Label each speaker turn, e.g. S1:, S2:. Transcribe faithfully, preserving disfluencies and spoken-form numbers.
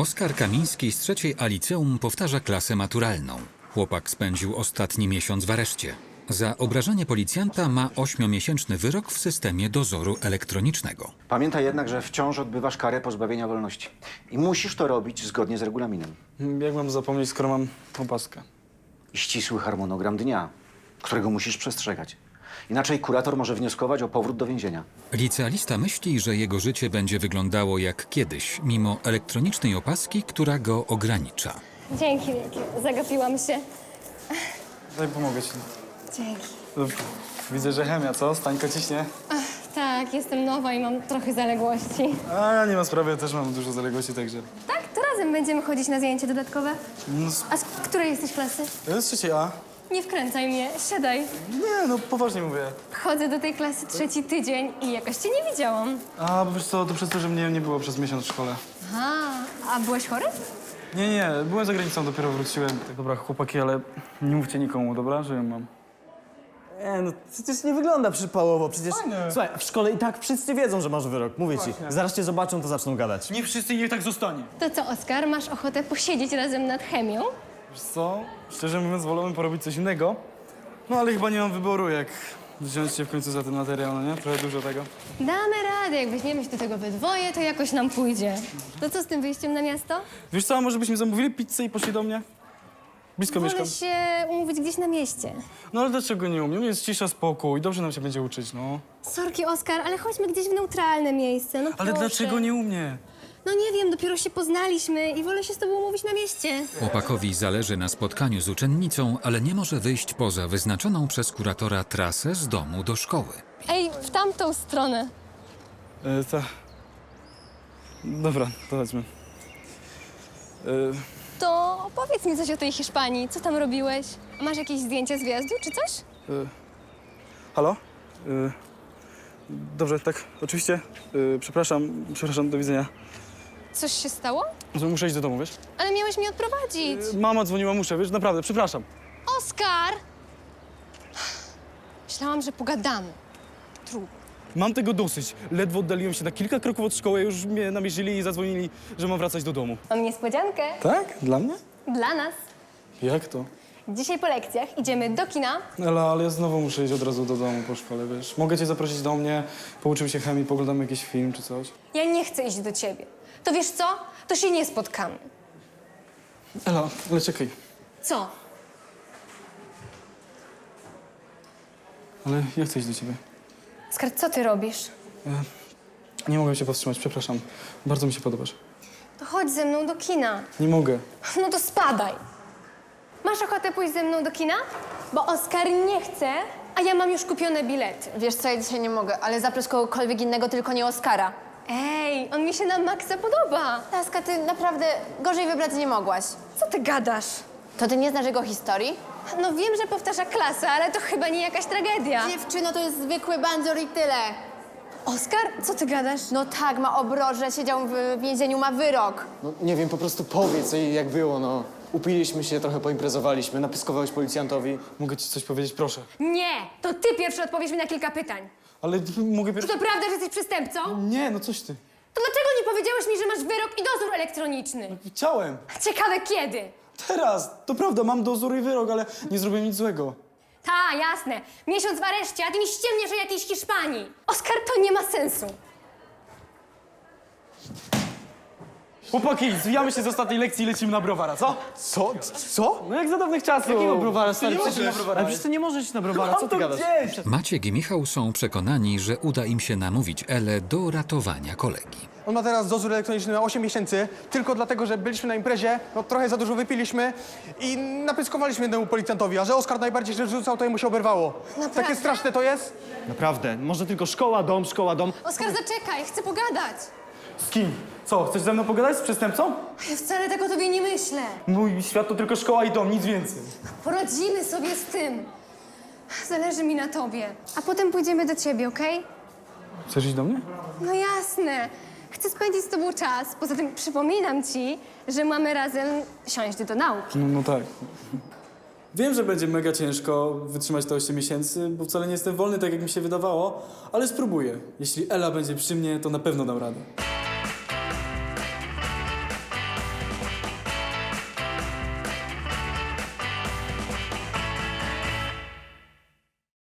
S1: Oskar Kamiński z trzeciej A liceum powtarza klasę maturalną. Chłopak spędził ostatni miesiąc w areszcie. Za obrażanie policjanta ma ośmiomiesięczny wyrok w systemie dozoru elektronicznego.
S2: Pamiętaj jednak, że wciąż odbywasz karę pozbawienia wolności. I musisz to robić zgodnie z regulaminem.
S3: Jak mam zapomnieć, skoro mam opaskę?
S2: I ścisły harmonogram dnia, którego musisz przestrzegać. Inaczej kurator może wnioskować o powrót do więzienia.
S1: Licealista myśli, że jego życie będzie wyglądało jak kiedyś, mimo elektronicznej opaski, która go ogranicza.
S4: Dzięki wielkie, zagapiłam się.
S3: Daj, pomogę ci.
S4: Dzięki.
S3: Widzę, że chemia, co? Stańko ciśnie?
S4: Ach, tak, jestem nowa i mam trochę zaległości.
S3: A ja nie ma sprawy, ja też mam dużo zaległości, także...
S4: Tak, to razem będziemy chodzić na zajęcia dodatkowe.
S3: No, z...
S4: A z której jesteś klasy?
S3: Ja z trzeciej A.
S4: Nie wkręcaj mnie, siadaj.
S3: Nie, no poważnie mówię.
S4: Chodzę do tej klasy trzeci tydzień i jakoś cię nie widziałam.
S3: A, bo wiesz co, to przez to, że mnie nie było przez miesiąc w szkole.
S4: Aha, a byłeś chory?
S3: Nie, nie, byłem za granicą, dopiero wróciłem. Tak, dobra, chłopaki, ale nie mówcie nikomu, dobra, że ją mam.
S5: Nie, no przecież nie wygląda przypałowo, przecież...
S3: Fajne.
S5: Słuchaj, w szkole i tak wszyscy wiedzą, że masz wyrok, mówię ci.
S3: Właśnie.
S5: Zaraz cię zobaczą, to zaczną gadać.
S3: Nie wszyscy i niech tak zostanie.
S4: To co, Oskar, masz ochotę posiedzieć razem nad chemią?
S3: Wiesz co, szczerze mówiąc, wolałbym porobić coś innego. No ale chyba nie mam wyboru, jak wziąć się w końcu za ten materiał, no nie? Trochę dużo tego.
S4: Damy radę, jak weźmiemy się do tego we dwoje, to jakoś nam pójdzie. To co z tym wyjściem na miasto?
S3: Wiesz co, a może byśmy zamówili pizzę i poszli do mnie? Blisko mieszkam.
S4: Wolę się umówić gdzieś na mieście.
S3: No ale dlaczego nie umiem? Jest cisza, spokój, dobrze nam się będzie uczyć, no.
S4: Sorki, Oskar, ale chodźmy gdzieś w neutralne miejsce, no
S3: Ale
S4: proszę.
S3: dlaczego nie u mnie?
S4: No nie wiem, dopiero się poznaliśmy i wolę się z tobą umówić na mieście.
S1: Chłopakowi zależy na spotkaniu z uczennicą, ale nie może wyjść poza wyznaczoną przez kuratora trasę z domu do szkoły.
S4: Ej, w tamtą stronę.
S3: E, ta... Dobra, to chodźmy. E,
S4: To powiedz mi coś o tej Hiszpanii. Co tam robiłeś? A masz jakieś zdjęcia z wjazdu czy coś?
S3: e, halo? E, dobrze, tak, oczywiście. E, przepraszam, przepraszam, do widzenia.
S4: Coś się stało?
S3: Muszę iść do domu, wiesz?
S4: Ale miałeś mnie odprowadzić.
S3: E, mama dzwoniła, muszę, wiesz, naprawdę, przepraszam.
S4: Oskar! Myślałam, że pogadamy. Trudno.
S3: Mam tego dosyć. Ledwo oddaliłem się na kilka kroków od szkoły, już mnie namierzyli i zadzwonili, że mam wracać do domu.
S4: Mam niespodziankę.
S3: Tak? Dla mnie?
S4: Dla nas.
S3: Jak to?
S4: Dzisiaj po lekcjach idziemy do kina.
S3: Ale, ale ja znowu muszę iść od razu do domu po szkole, wiesz. Mogę cię zaprosić do mnie, pouczymy się chemii, poglądamy jakiś film czy coś.
S4: Ja nie chcę iść do ciebie. To wiesz co? To się nie spotkamy.
S3: Ela, ale czekaj.
S4: Co?
S3: Ale ja chcę iść do ciebie.
S4: Oskar, co ty robisz?
S3: Nie mogę się powstrzymać, przepraszam. Bardzo mi się podobasz.
S4: To chodź ze mną do kina.
S3: Nie mogę.
S4: No to spadaj. Masz ochotę pójść ze mną do kina? Bo Oskar nie chce, a ja mam już kupione bilety.
S6: Wiesz co, ja dzisiaj nie mogę, ale zaproś kogokolwiek innego, tylko nie Oskara.
S4: Ej, on mi się na maksa podoba.
S6: Laska, ty naprawdę gorzej wybrać nie mogłaś.
S4: Co ty gadasz?
S6: To ty nie znasz jego historii?
S4: No wiem, że powtarza klasę, ale to chyba nie jakaś tragedia.
S6: Dziewczyno, to jest zwykły bandzior i tyle.
S4: Oskar, co ty gadasz?
S6: No tak, ma obroże, siedział w więzieniu, ma wyrok.
S7: No nie wiem, po prostu powiedz jej jak było, no. Upiliśmy się, trochę poimprezowaliśmy, napiskowałeś policjantowi.
S3: Mogę ci coś powiedzieć, proszę.
S4: Nie, to ty pierwszy odpowiesz mi na kilka pytań.
S3: Ale mogę
S4: Czy
S3: pierwszy...
S4: to prawda, że jesteś przestępcą?
S3: Nie, no coś ty.
S4: To dlaczego nie powiedziałeś mi, że masz wyrok i dozór elektroniczny?
S3: Chciałem.
S4: Ciekawe kiedy.
S3: Teraz. To prawda, mam dozór i wyrok, ale nie zrobiłem nic złego.
S4: Ta, jasne. Miesiąc w areszcie, a ty mi ściemniesz o jakiejś Hiszpanii. Oskar, to nie ma sensu.
S3: Chłopaki, zwijamy się z ostatniej lekcji i lecimy na browara, co?
S5: Co? Co?
S3: No jak za dawnych czasów.
S5: Jakiego browara, stary?
S3: nie
S5: Przecież-
S3: możesz na browara.
S5: Ale przecież ty nie możesz iść na browara, co
S3: Mam
S5: ty
S3: to
S5: gadasz?
S3: gdzieś.
S1: Maciek i Michał są przekonani, że uda im się namówić Elę do ratowania kolegi.
S8: On ma teraz dozór elektroniczny na osiem miesięcy, tylko dlatego, że byliśmy na imprezie, no trochę za dużo wypiliśmy i napyskowaliśmy jednemu policjantowi, a że Oskar najbardziej się rzucał, to jemu się oberwało.
S4: Naprawdę?
S8: Takie straszne to jest?
S5: Naprawdę, może tylko szkoła, dom, szkoła, dom.
S4: Oskar, zaczekaj, chcę pogadać.
S3: Z kim? Co, chcesz ze mną pogadać z przestępcą?
S4: Ja wcale tak o tobie nie myślę.
S3: Mój świat to tylko szkoła i dom, nic więcej.
S4: Poradzimy sobie z tym. Zależy mi na tobie. A potem pójdziemy do ciebie, okej?
S3: Chcesz iść do mnie?
S4: No jasne. Chcę spędzić z tobą czas. Poza tym przypominam ci, że mamy razem siąść do nauki.
S3: No, no tak. Wiem, że będzie mega ciężko wytrzymać te osiem miesięcy, bo wcale nie jestem wolny tak, jak mi się wydawało, ale spróbuję. Jeśli Ela będzie przy mnie, to na pewno dam radę.